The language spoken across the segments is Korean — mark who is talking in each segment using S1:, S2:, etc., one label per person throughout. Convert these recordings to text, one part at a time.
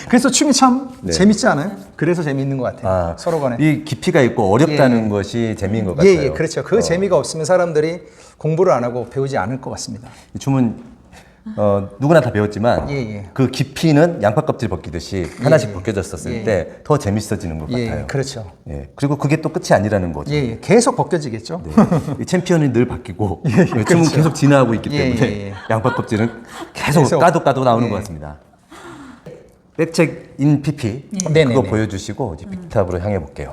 S1: 그래서 춤이 참
S2: 네.
S1: 재밌지 않아요? 그래서 재밌는 것 같아요. 서로 간에.
S2: 이 깊이가 있고 어렵다는 것이 재미인 것 같아요.
S1: 예, 그렇죠. 그 재미가 없으면 사람들이 공부를 안 하고 배우지 않을 것 같습니다.
S2: 이 춤은 누구나 다 배웠지만 그 깊이는 양파 껍질 벗기듯이 하나씩 벗겨졌었을 때 더 재밌어지는 것 같아요.
S1: 그렇죠.
S2: 예, 그리고 그게 또 끝이 아니라는 거죠.
S1: 계속 벗겨지겠죠.
S2: 네. 이 챔피언이 늘 바뀌고 춤은
S1: 그렇죠.
S2: 계속 진화하고 있기 때문에 양파 껍질은 계속 까도 나오는 것 같습니다. 백책 인 PP 그거 보여주시고 이제 빅탑으로 향해 볼게요.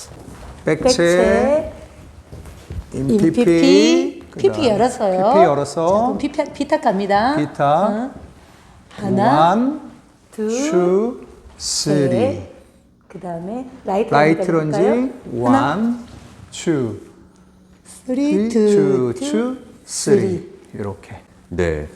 S1: 백체 인 PP
S3: PP 열었어요.
S1: PP 열어서
S3: 자, 그럼 B탑 갑니다.
S1: B탑
S3: 하나,
S1: 1, 2, 3
S3: 그 다음에 라이트
S1: 런지 1, 2 3, 2, 3 이렇게.
S2: 네.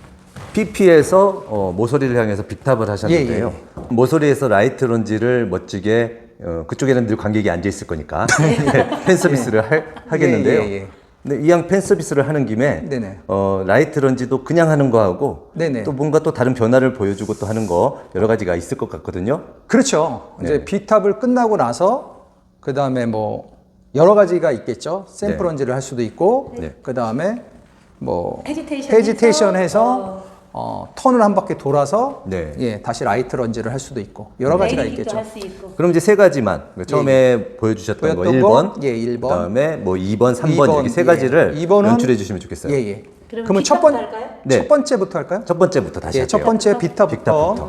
S2: PP에서 모서리를 향해서 빅탑을 하셨는데요. 모서리에서 라이트 런지를 멋지게 그쪽에는 늘 관객이 앉아 있을 거니까 팬 서비스를 하겠는데요. 네, 이왕 팬 서비스를 하는 김에 라이트 런지도 그냥 하는 거하고 또 뭔가 또 다른 변화를 보여주고 또 하는 거 여러 가지가 있을 것 같거든요.
S1: 그렇죠. 이제 B탑을 끝나고 나서 그 다음에 뭐 여러 가지가 있겠죠. 샘플 런지를 할 수도 있고 그 다음에 뭐 헤지테이션 해서 턴을 한 바퀴 돌아서 다시 라이트 런지를 할 수도 있고 여러 가지가 있겠죠.
S2: 그럼 이제 세 가지만 처음에 보여주셨던 거 1번, 1번, 그다음에 뭐 2번, 3번 이렇게 세 가지를 연출해 주시면 좋겠어요.
S1: 그러면 첫 번째부터 할까요?
S2: 첫 번째부터 다시 할게요.
S1: 첫 번째 B탑부터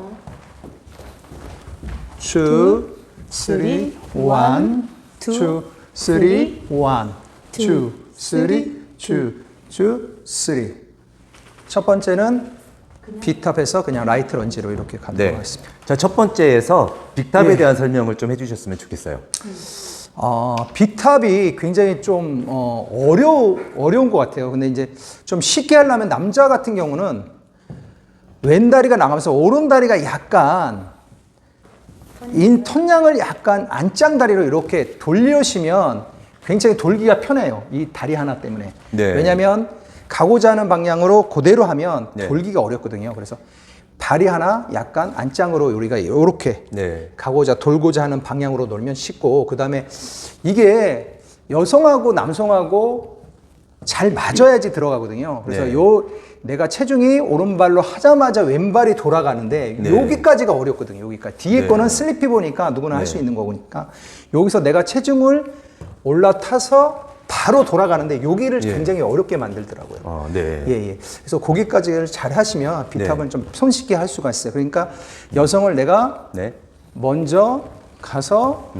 S1: 2, 3, 1, 2, 3, 1, 2, 3, 2, 3. 첫 번째는 B탑에서 그냥 라이트 런지로 이렇게 가도록 하겠습니다.
S2: 자, 첫 번째에서 빅탑에 대한 설명을 좀 해주셨으면 좋겠어요.
S1: B탑이 굉장히 좀 어려운 것 같아요. 근데 이제 좀 쉽게 하려면 남자 같은 경우는 왼다리가 나가면서 오른다리가 약간 턴양을 약간 안짱다리로 이렇게 돌리시면 굉장히 돌기가 편해요. 이 다리 하나 때문에. 왜냐하면 가고자 하는 방향으로 그대로 하면 돌기가 어렵거든요. 그래서 다리 하나 약간 안짱으로 우리가 이렇게 돌고자 하는 방향으로 놀면 쉽고, 그 다음에 이게 여성하고 남성하고 잘 맞아야지 들어가거든요. 그래서 내가 체중이 오른발로 하자마자 왼발이 돌아가는데 여기까지가 어렵거든요. 여기까지. 뒤에 거는 슬리피 보니까 누구나 할 수 있는 거니까 여기서 내가 체중을 올라타서 바로 돌아가는데 여기를 굉장히 어렵게 만들더라고요. 그래서 거기까지를 잘 하시면 B탑은 좀 손쉽게 할 수가 있어요. 그러니까 여성을 내가 먼저 가서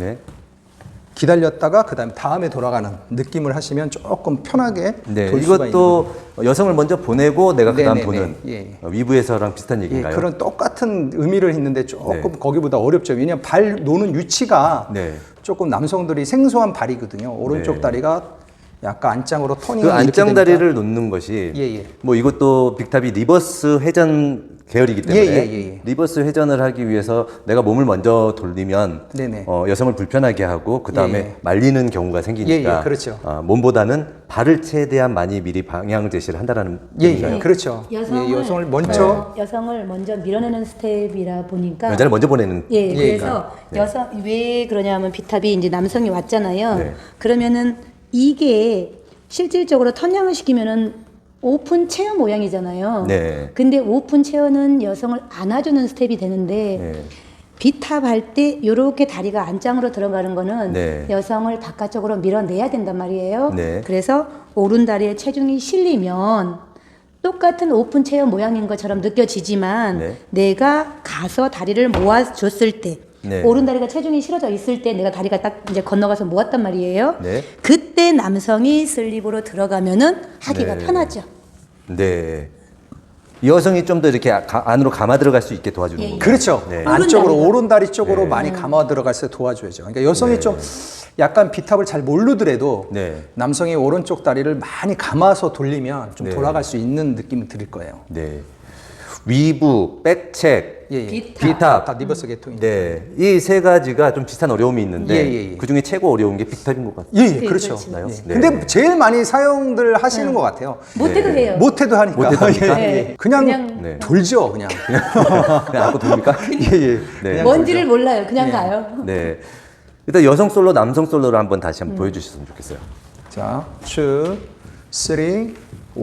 S1: 기다렸다가 다음에 돌아가는 느낌을 하시면 조금 편하게 돌 수가
S2: 이것도 있는 여성을 먼저 보내고 내가 그다음 보는 위브에서랑 비슷한 얘기인가요?
S1: 그런 똑같은 의미를 있는데 조금 거기보다 어렵죠. 왜냐하면 발 노는 위치가 조금 남성들이 생소한 발이거든요. 오른쪽 다리가 약간 안짱으로 터닝.
S2: 그 안짱 다리를 놓는 것이 뭐 이것도 빅탑이 리버스 회전 계열이기 때문에 리버스 회전을 하기 위해서 내가 몸을 먼저 돌리면 여성을 불편하게 하고 그 다음에 말리는 경우가 생기니까 몸보다는 발을 최대한 많이 미리 방향 제시를 한다라는 얘기인가요?
S1: 그렇죠. 여성을 먼저
S3: 여성을 먼저 밀어내는 스텝이라 보니까
S2: 여자를 먼저 보내는.
S3: 그래서 여성 왜 그러냐면 B탑이 이제 남성이 왔잖아요. 그러면은 이게 실질적으로 턴양을 시키면은 오픈 체어 모양이잖아요. 근데 오픈 체어는 여성을 안아주는 스텝이 되는데 B탑 할 때 이렇게 다리가 안짱으로 들어가는 거는 여성을 바깥쪽으로 밀어내야 된단 말이에요. 그래서 오른다리에 체중이 실리면 똑같은 오픈 체어 모양인 것처럼 느껴지지만 내가 가서 다리를 모아줬을 때 오른다리가 체중이 실어져 있을 때 내가 다리가 딱 이제 건너가서 모았단 말이에요. 그때 남성이 슬립으로 들어가면은 하기가 편하죠.
S2: 여성이 좀 더 이렇게 안으로 감아 들어갈 수 있게 도와주는 거예요.
S1: 그렇죠. 안쪽으로 오른다리 쪽으로 많이 감아 들어갈 수 도와줘야죠. 그러니까 여성이 좀 약간 B탑을 잘 모르더라도 남성이 오른쪽 다리를 많이 감아서 돌리면 좀 돌아갈 수 있는 느낌이 들 거예요.
S2: 위부, 백책, B탑,
S1: 다 리버스 계통이.
S2: 네, 이 세 가지가 좀 비슷한 어려움이 있는데
S1: 예.
S2: 그 중에 최고 어려운 게 빅탑인 것 같아요.
S1: 예,
S3: 네,
S1: 그렇죠.
S3: 그렇죠.
S1: 예. 근데 제일 많이 사용들 하시는 것 같아요.
S3: 못해도 해요.
S1: 못해도 하니까.
S2: 못해도 하니까?
S3: 네.
S1: 그냥
S2: 네.
S1: 돌죠, 그냥.
S2: 그냥 안고 돕니까?
S1: 예.
S2: 네.
S3: 뭔지를 몰라요. 그냥 가요.
S2: 네. 일단 여성 솔로, 남성 솔로를 한번 다시 한번 보여주셨으면 좋겠어요.
S1: 자, 2, 3, 1,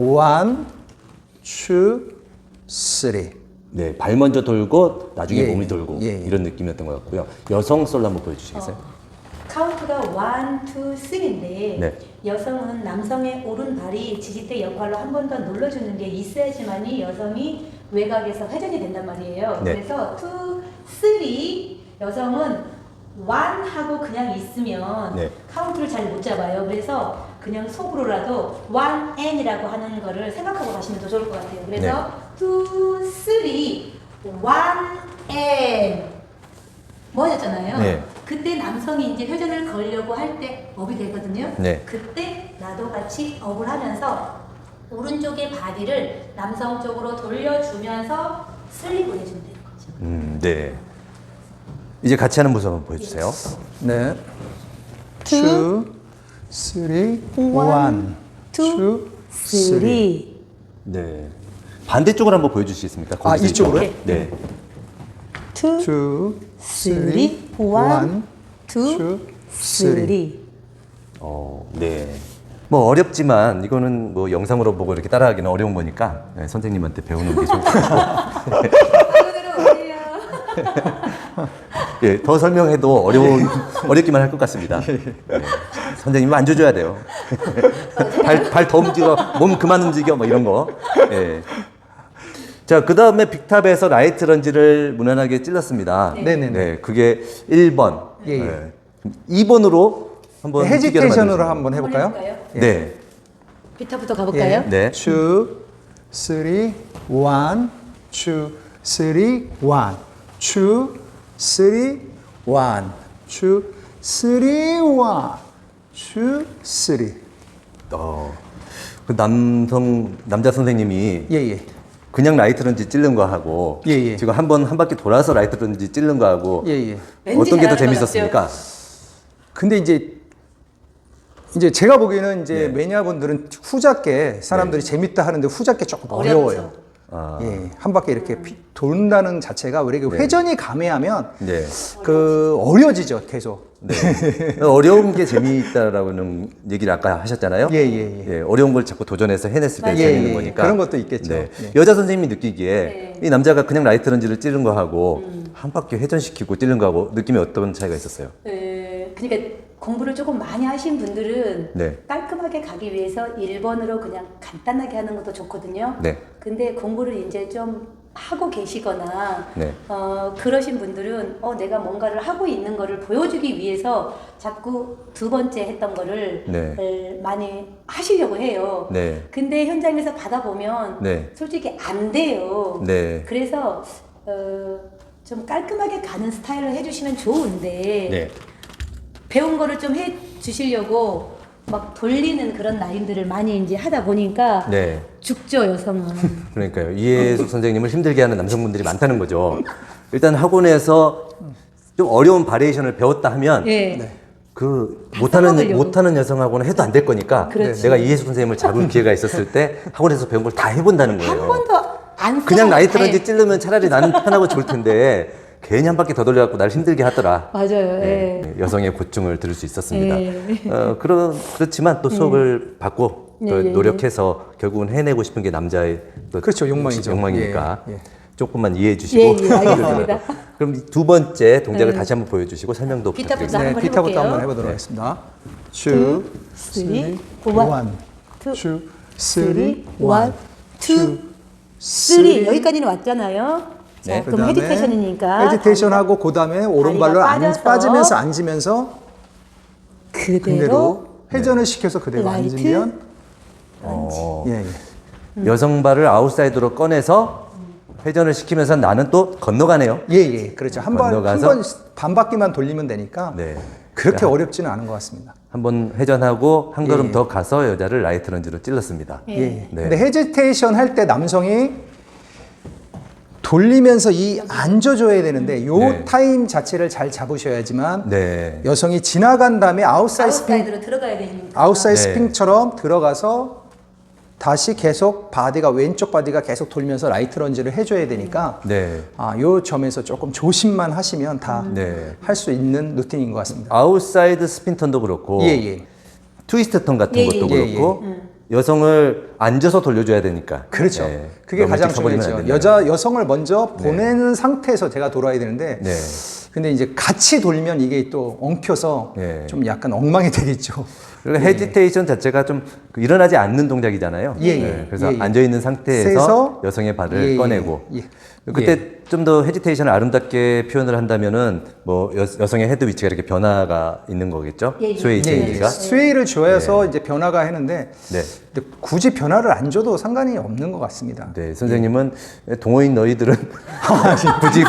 S1: 2, 3.
S2: 네, 발 먼저 돌고 나중에
S1: 예,
S2: 몸이 돌고
S1: 예.
S2: 이런 느낌이었던 것 같고요. 여성 솔로 한번 보여주시겠어요?
S3: 카운트가 1, 2, 3인데
S2: 네.
S3: 여성은 남성의 오른발이 지지대 역할로 한 번 더 눌러주는 게 있어야지만이 여성이 외곽에서 회전이 된단 말이에요.
S2: 네.
S3: 그래서 2, 3 여성은 1 하고 그냥 있으면
S2: 네.
S3: 카운트를 잘 못 잡아요. 그래서 그냥 속으로라도 1N이라고 하는 거를 생각하고 가시면 더 좋을 것 같아요. 그래서 2, 3, 1N 뭐였잖아요.
S2: 네.
S3: 그때 남성이 이제 회전을 걸려고 할 때 업이 되거든요.
S2: 네.
S3: 그때 나도 같이 업을 하면서 오른쪽의 바디를 남성 쪽으로 돌려주면서 슬립 보내주면 되는 거죠.
S2: 네. 이제 같이 하는 모습 한번 보여주세요.
S1: 네. 2, 3, 1, 2, 3.
S2: 네. 반대쪽으로 한번 보여주시겠습니까?
S1: 아,
S2: 거기서
S1: 이쪽으로요?
S2: 이쪽으로? 네.
S1: 2, 3, 1, 2, 3.
S2: 네. 뭐 어렵지만 이거는 뭐 영상으로 보고 이렇게 따라하기는 어려운 거니까 네, 선생님한테 배우는 게 좋을 것 같아요. 예, 더 설명해도 어렵기만 할 것 같습니다. 네. 선생님 만져줘야 돼요. 발 더 움직여, 몸 그만 움직여, 뭐 이런 거. 예. 자, 그 다음에 빅탑에서 라이트 런지를 무난하게 찔렀습니다.
S1: 네네네.
S2: 네, 그게 1번.
S1: 예, 예.
S2: 네. 2번으로 한번
S1: 헤지테이션으로 한번 해볼까요?
S2: 네.
S3: 비타부터 가볼까요?
S2: 네.
S1: 2, 3, 1, 2, 3, 1, 2, 3, 1, 2, 3, 1, 2, 3.
S2: 그 남자 선생님이
S1: 예.
S2: 그냥 라이트 런지 찌른 거 하고
S1: 예.
S2: 지금 한 바퀴 돌아서 라이트 런지 찌른 거 하고
S1: 예.
S2: 어떤 게 더
S3: 잘하는 것
S2: 재밌었습니까?
S1: 근데 이제 제가 보기에는
S2: 네.
S1: 매니아분들은 후작게 사람들이 재밌다 하는데 후작게 조금 어려워요.
S2: 아.
S1: 예, 한 바퀴 이렇게 돈다는 자체가 우리가 회전이 감해하면
S2: 네.
S1: 어려워지죠, 계속.
S2: 네. 어려운 게 재미있다라고는 얘기를 아까 하셨잖아요.
S1: 예.
S2: 어려운 걸 자꾸 도전해서 해냈을 때
S3: 맞아요.
S2: 재밌는
S1: 예.
S2: 거니까.
S1: 그런 것도 있겠죠.
S2: 네.
S1: 예.
S2: 여자 선생님이 느끼기에 이 남자가 그냥 라이트 런지를 찌른 거 하고 한 바퀴 회전시키고 찌른 거 하고 느낌이 어떤 차이가 있었어요?
S3: 그러니까 공부를 조금 많이 하신 분들은
S2: 네.
S3: 깔끔하게 가기 위해서 1번으로 그냥 간단하게 하는 것도 좋거든요.
S2: 네.
S3: 근데 공부를 이제 좀 하고 계시거나
S2: 네.
S3: 그러신 분들은 내가 뭔가를 하고 있는 거를 보여주기 위해서 자꾸 두 번째 했던 거를
S2: 네.
S3: 많이 하시려고 해요.
S2: 네.
S3: 근데 현장에서 받아보면
S2: 네.
S3: 솔직히 안 돼요.
S2: 네.
S3: 그래서 좀 깔끔하게 가는 스타일로 해주시면 좋은데
S2: 네.
S3: 배운 거를 좀 해 주시려고 막 돌리는 그런 라인들을 많이 이제 하다 보니까
S2: 네.
S3: 죽죠, 여성은.
S2: 그러니까요. 이해숙 선생님을 힘들게 하는 남성분들이 많다는 거죠. 일단 학원에서 좀 어려운 바리에이션을 배웠다 하면
S3: 네.
S2: 그
S3: 써먹으려고.
S2: 못하는 여성하고는 해도 안 될 거니까
S3: 그렇지.
S2: 내가 이해숙 선생님을 잡을 기회가 있었을 때 학원에서 배운 걸 다 해본다는 거예요.
S3: 한 번도 안
S2: 그냥 라이트
S3: 써먹-
S2: 런지 찌르면 차라리 나는 편하고 좋을 텐데 괜히 한 바퀴 더 돌려갖고 날 힘들게 하더라.
S3: 맞아요.
S2: 네,
S3: 예.
S2: 여성의 고충을 들을 수 있었습니다.
S3: 예.
S2: 그렇지만 또 수업을 받고 또
S3: 예.
S2: 노력해서 결국은 해내고 싶은 게 남자의 또
S1: 그렇죠, 욕망이죠.
S2: 욕망이니까
S1: 예.
S2: 조금만 이해해 주시고.
S3: 예, 알겠습니다.
S2: 그럼 두 번째 동작을 다시 한번 보여주시고 설명도
S3: 비타부터
S2: 부탁드립니다.
S3: 한번
S1: 비타부터
S3: 해볼게요.
S1: 한번 해보도록 하겠습니다. 2, 3, 1, 2, 3, 1, 2,
S3: 3 여기까지는 왔잖아요. 자,
S2: 네.
S3: 그럼 헤지테이션이니까
S1: 헤지테이션하고 그 다음에 오른발로
S3: 빠져서
S1: 빠지면서 앉으면서
S3: 그대로
S1: 그대로 회전을 시켜서 그대로
S3: 라이트.
S1: 앉으면
S2: 어,
S1: 예.
S2: 여성 발을 아웃사이드로 꺼내서 회전을 시키면서 나는 또 건너가네요.
S1: 예. 그렇죠. 한 번 반 바퀴만 돌리면 되니까
S2: 네.
S1: 그렇게 어렵지는 않은 것 같습니다.
S2: 한번 회전하고 한 걸음
S1: 예.
S2: 더 가서 여자를 라이트 런지로 찔렀습니다.
S1: 예.
S2: 네.
S1: 근데 헤지테이션 할 때 남성이 돌리면서 이 앉아줘야 되는데 요
S2: 네.
S1: 타임 자체를 잘 잡으셔야지만
S2: 네.
S1: 여성이 지나간 다음에 아웃사이드 스핑,
S3: 아웃사이드로 들어가야 되니까.
S1: 아웃사이드
S2: 네.
S1: 스핑처럼 들어가서 다시 계속 바디가 왼쪽 바디가 계속 돌면서 라이트 런지를 해줘야 되니까
S2: 네.
S1: 요 점에서 조금 조심만 하시면 다 할 수
S2: 네.
S1: 있는 루틴인 것 같습니다.
S2: 아웃사이드 스핀턴도 그렇고
S1: 예.
S2: 트위스트 턴 같은
S3: 예,
S2: 것도
S3: 예,
S2: 그렇고 여성을 앉아서 돌려줘야 되니까.
S1: 그렇죠.
S2: 네.
S1: 그게
S2: 너무
S1: 가장
S2: 일찍 가버리면
S1: 중요하죠.
S2: 안 된다.
S1: 여성을 먼저 보내는 상태에서 제가 돌아야 되는데,
S2: 네.
S1: 근데 이제 같이 돌면 이게 또 엉켜서
S2: 네.
S1: 좀 약간 엉망이 되겠죠.
S2: 그리고 헤지테이션 자체가 좀 일어나지 않는 동작이잖아요. 네.
S1: 예.
S2: 그래서
S1: 예.
S2: 앉아 있는 상태에서
S1: 세서
S2: 여성의 발을
S1: 예.
S2: 꺼내고
S1: 예.
S2: 그때 좀 더 헤지테이션을 아름답게 표현을 한다면은 뭐 여성의 헤드 위치가 이렇게 변화가 있는 거겠죠.
S3: 예.
S2: 스웨이 체인지가.
S1: 스웨이를 줘서 이제 변화가 했는데,
S2: 네.
S1: 근데 굳이 변화를 안 줘도 상관이 없는 것 같습니다.
S2: 네, 선생님은 동호인 너희들은 굳이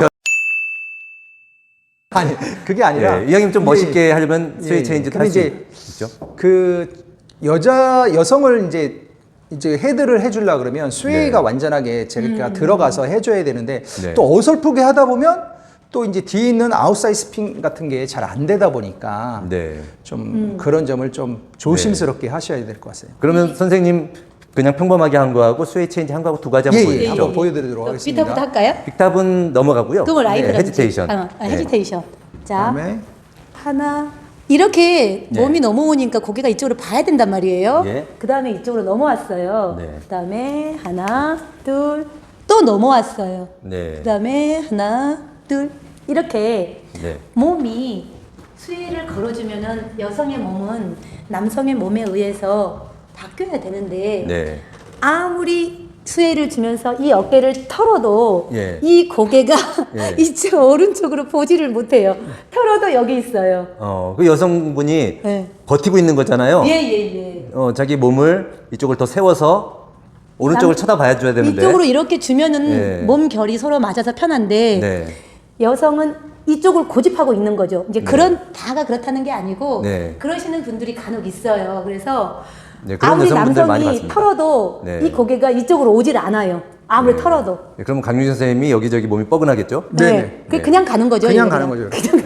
S1: 아니, 그게 아니라.
S2: 예, 이왕이면 좀
S1: 이게-
S2: 멋있게 하려면 스웨이
S1: 예,
S2: 체인지
S1: 근데
S2: 할수
S1: 이제
S2: 있죠.
S1: 그 여성을 이제 헤드를 해주려 그러면 스웨이가
S2: 네.
S1: 완전하게 제가 들어가서 해줘야 되는데
S2: 네.
S1: 또 어설프게 하다 보면 또 이제 뒤에 있는 아웃사이드 스핀 같은 게 잘 안 되다 보니까
S2: 네.
S1: 좀 그런 점을 좀 조심스럽게 하셔야 될 것 같아요.
S2: 그러면 선생님 그냥 평범하게 한 거하고 스웨이 체인지 한 거하고 두 가지 한번 보여주죠.
S1: 한번 보여드리도록 하겠습니다.
S3: 비타부터 할까요?
S2: 빅탑은 넘어가고요.
S3: 그거 라이트
S2: 네,
S3: 런지.
S2: 헤지테이션.
S3: 헤지테이션. 자,
S1: 그다음에
S3: 하나. 이렇게
S2: 네.
S3: 몸이 넘어오니까 고개가 이쪽으로 봐야 된단 말이에요.
S2: 예.
S3: 그 다음에 이쪽으로 넘어왔어요.
S2: 네.
S3: 그 다음에 하나, 둘, 또 넘어왔어요.
S2: 네.
S3: 그 다음에 하나, 둘, 이렇게
S2: 네.
S3: 몸이 수위를 걸어주면은 여성의 몸은 남성의 몸에 의해서 바뀌어야 되는데
S2: 네.
S3: 아무리 수혜를 주면서 이 어깨를 털어도
S2: 예.
S3: 이 고개가
S2: 예.
S3: 이쪽 오른쪽으로 보지를 못해요. 털어도 여기 있어요.
S2: 그 여성분이
S3: 네.
S2: 버티고 있는 거잖아요.
S3: 예예예.
S2: 자기 몸을 이쪽을 더 세워서 오른쪽을 쳐다봐야 줘야 되는데.
S3: 이쪽으로 이렇게 주면은
S2: 예.
S3: 몸 결이 서로 맞아서 편한데
S2: 네.
S3: 여성은 이쪽을 고집하고 있는 거죠. 이제 다가 그렇다는 게 아니고
S2: 네.
S3: 그러시는 분들이 간혹 있어요. 그래서
S2: 네, 그런
S3: 아무리
S2: 여성분들 많이
S3: 남성이
S2: 봤습니다.
S3: 털어도
S2: 네.
S3: 이 고개가 이쪽으로 오질 않아요. 아무리 털어도.
S2: 네, 그럼 강윤 선생님이 여기저기 몸이 뻐근하겠죠?
S1: 네네.
S3: 그냥 가는 거죠.
S1: 그냥
S3: 이거
S1: 가는 거죠.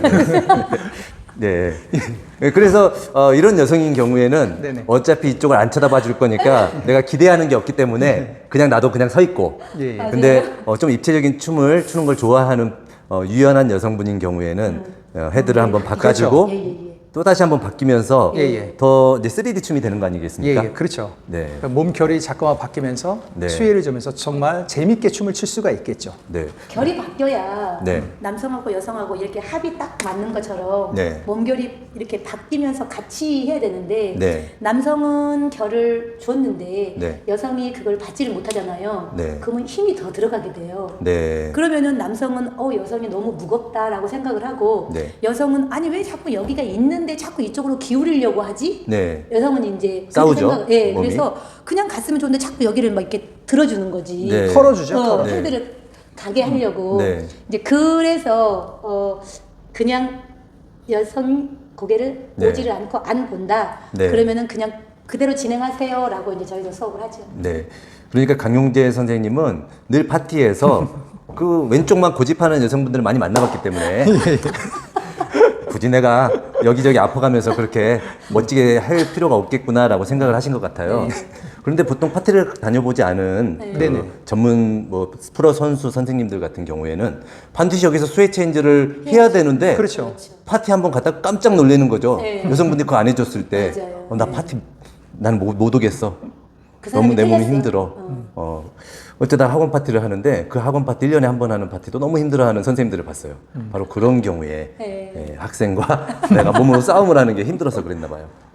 S2: 네. 그래서 이런 여성인 경우에는
S1: 네네.
S2: 어차피 이쪽을 안 쳐다봐 줄 거니까 내가 기대하는 게 없기 때문에 그냥 나도 그냥 서 있고.
S1: 예, 예.
S2: 근데 좀 입체적인 춤을 추는 걸 좋아하는 유연한 여성분인 경우에는 헤드를 한번 바꿔주고
S3: 예, 예, 예.
S2: 또 다시 한번 바뀌면서
S1: 예, 예.
S2: 더 이제 3D 춤이 되는 거 아니겠습니까?
S1: 예, 그렇죠.
S2: 네.
S1: 그러니까 몸결이 자꾸만 바뀌면서
S2: 네.
S1: 수혜를 주면서 정말 재밌게 춤을 출 수가 있겠죠.
S2: 네.
S3: 결이 바뀌어야
S2: 네.
S3: 남성하고 여성하고 이렇게 합이 딱 맞는 것처럼
S2: 네.
S3: 몸결이 이렇게 바뀌면서 같이 해야 되는데
S2: 네.
S3: 남성은 결을 줬는데
S2: 네.
S3: 여성이 그걸 받지를 못하잖아요.
S2: 네.
S3: 그러면 힘이 더 들어가게 돼요.
S2: 네.
S3: 그러면은 남성은 여성이 너무 무겁다라고 생각을 하고
S2: 네.
S3: 여성은 아니 왜 자꾸 여기가 있는데 자꾸 이쪽으로 기울이려고 하지?
S2: 네.
S3: 여성은 이제
S2: 싸우죠,
S3: 예,
S2: 몸이.
S3: 그래서 그냥 갔으면 좋은데 자꾸 여기를 막 이렇게 들어주는 거지.
S2: 네.
S1: 털어주죠. 털어.
S2: 네.
S3: 헤드를 가게 하려고.
S2: 네.
S3: 이제 그래서 그냥 여성 고개를
S2: 네.
S3: 오지를 않고 안 본다.
S2: 네.
S3: 그러면은 그냥 그대로 진행하세요라고 이제 저희도 수업을 하죠.
S2: 네. 그러니까 강용재 선생님은 늘 파티에서 그 왼쪽만 고집하는 여성분들을 많이 만나봤기 때문에 굳이 내가 여기저기 아파가면서 그렇게 멋지게 할 필요가 없겠구나라고 생각을 하신 것 같아요. 그런데 보통 파티를 다녀보지 않은 그
S1: 네네.
S2: 전문 프로 선수 선생님들 같은 경우에는 반드시 여기서 스웨이 체인지를 해야 되는데
S1: 그렇죠.
S2: 파티 한번 갔다 깜짝 놀라는 거죠.
S3: 네.
S2: 여성분들이 그거 안 해줬을 때
S3: 맞아요.
S2: 나 파티 난 못 오겠어.
S3: 그
S2: 너무
S3: 사람이
S2: 내 몸이
S3: 틀렸어.
S2: 힘들어. 어쩌다 학원 파티를 하는데 그 학원 파티 1년에 한 번 하는 파티도 너무 힘들어하는 선생님들을 봤어요. 바로 그런 경우에
S3: 네.
S2: 학생과 내가 몸으로 싸움을 하는 게 힘들어서 그랬나 봐요.